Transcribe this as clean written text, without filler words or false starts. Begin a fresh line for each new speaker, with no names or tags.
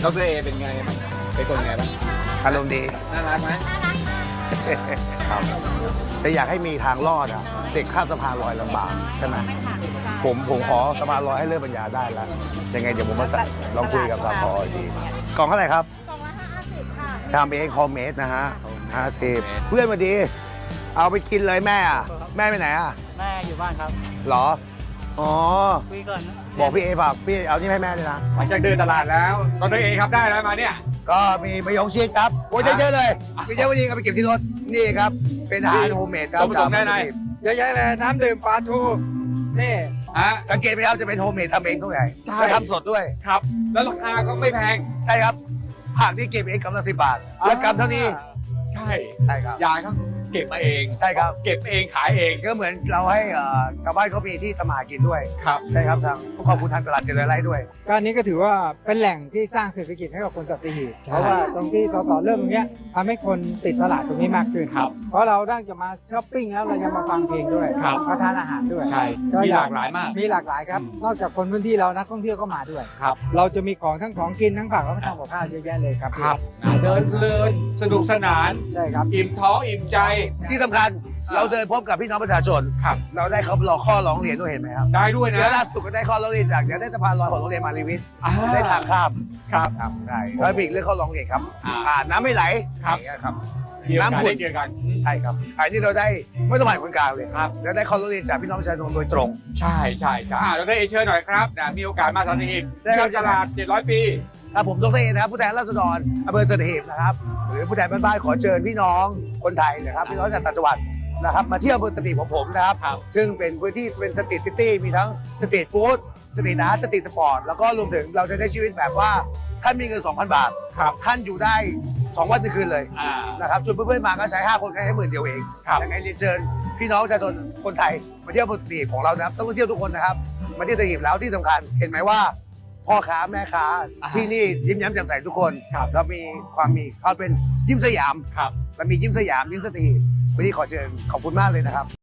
ดรเอเป็นไงบ้างเป็นคนไงบ้าง
อารมณ์ดี
น่ารักไหม
ครับแต่อยากให้มีทางรอดอ่ะเด็กข้ามสะพานลอยลำบากใช่ไหมผมขอสะพานลอยให้เลิกปัญญาได้แล้วยังไงเดี๋ยวผมมาลองคุยกับสพอีกทีกล่องเท่าไหร่ครับ
กล่องละ50 ค่ะ
ทำเองคอมเมดนะฮะ50เพื่อนมาดี เอาไปกินเลยแม่อะแม่ไปไหนอ่ะ
แม่อยู่บ้านครับ
เหรออ๋อ
คุยก่อนนะ
บอกพี่เอฝากพี่เอานี่ให้แม่ด้วยนะ
หลังจากเดินตลาดแล้วดรเอครับได้แล้วมาเนี่ย
ก็มีมะยงชิดครับโอ้ยเยอะๆเลยมีเยอะวันนี้เอาไปเก็บที่รถนี่ครับเป็นอาหารโฮมเมดครับ
ส่วนผสมได้ไหน
เยอะแยะเลยน้ำดื่มปลาทูนี่
ฮะ
สังเกตไหมครับจะเป็นโฮมเมดทำเองทุกอย่าง
ใช่
และทำสดด้วย
ครับ แล้วราคาก็ไม่แพง
ใช่ครับผักที่เก็บเองกำลัง10 บาท และกำเท่านี้
ใช่
ใช่ครับ
ยายเขาเก็บมาเอง
ใช่ครับ
เก็บเองขายเอง
ก็เหมือนเราให้ชาวบ้านเขามีที่ทำมาหากินด้วย
ครับ
ใช่ครับทางขอบคุณทางตลาดเจริญไร่ด้วย
ก็อันนี้ก็ถือว่าเป็นแหล่งที่สร้างเศรษฐกิจให้กับคนสัตหีบเพราะว่าตรงที่ต่อเรื่องตรงเนี้ยทำให้คนติดตลาดตรงนี้มากขึ้น
ครับ
เพราะเราได้จะมาช้อปปิ้งแล้วเรายังมาฟังเพลงด้วย
ครับ
มาทานอาหารด้วย
ใช่
ก็
มี
อ
หลากหลายมาก
มีหลากหลายครับ นอกจากคนพื้นที่เรานักท่องเที่ยวก็มาด้วย
ครับ
เราจะมีของทั้งของกินทั้งผักและทำกับข้าวเยอะแยะเลยครับ
ครับเดินเพลินสนุกสนาน
ใช่ครับ
อิ่มท้องอิ่มใจ
ที่สำคัญเราเดินพบกับพี่น้องประชาชน
ครับ
เราได้เขารอข้อร้องเรียนด้วยเห็นไหมครับ
ได้ด้วย
เดี๋ยว
นะ
ล่าสุดก็ได้ข้อร้องเรียนจากเดี๋ยวได้สะพานลอยของโรงเรียนมารีวิทย์
อ่า
ได้ทางข้าม
ครับ
ครับได้แล้วมีอีกเรื่องข้อร้องเรียนครับ
อ่า
น้ำไม่ไหล
ครับ
อย่างเงี้ยครับ
เกี่ยวกัน
น้ำขุ่น
ได้เกี่ยวกัน
ใช่ครับอันนี้เราได้ไม่ต้องผ่านคนกลางเลย
ครับ
แล้วได้ข้อร้องเรียนจากพี่น้องประชาชนโดยตรง
ใช่ใช่ใช่ดรเอเชิญหน่อยครับนะมีโอกาสมาสัตหีบ
ได้ครับ
เชื่อมตลาด700 ปี
ครับผมดรเอนะครับผู้แทนราษฎรอำเภอสัตหีบนะครับหรือผู้แทนบ้านๆขอเชิญพี่น้องคนไทยนะครับพี่น้องจากต่างจังหวัดนะครับมาเที่ยวอำเภอสัตหีบของผมนะครับ
ครับ
ซึ่งเป็นพื้นที่เป็นสตรีทซิตี้มีทั้งสตรีทฟู้ดสตรีทอาร์ตสตรีทสปอร์ตแล้วก็รวมถึงเราจะได้ชีวิตแบบว่าท่านมีเงิน 2,000 บาท
ครับ
ท่านอยู่ได้ 2 วัน1คืนเลย
อ่า
นะครับชวนเพื่อนๆมาก็ใช้ 5 คนแค่10,000เดียวเอง
ครับ
ยังไงเรียนเชิญพี่น้องประชาชนคนไทยมาเที่ยวอำเภอสัตหีบของเรานะครับต้องเที่ยวทุกคนนะครับมาเที่ยวสัตหีบแล้วที่สำคัญเห็นไหมว่า พ่อค้าแม่ค้าที่นี่ยิ้มแย้มแจ่มใสทุกคน
ครับ
เรามีความมีเขาเป็นยิ้มสยาม
ครับ
เรามียิ้มสยามยิ้มสตรีวันนี้ขอเชิญขอบคุณมากเลยนะครับ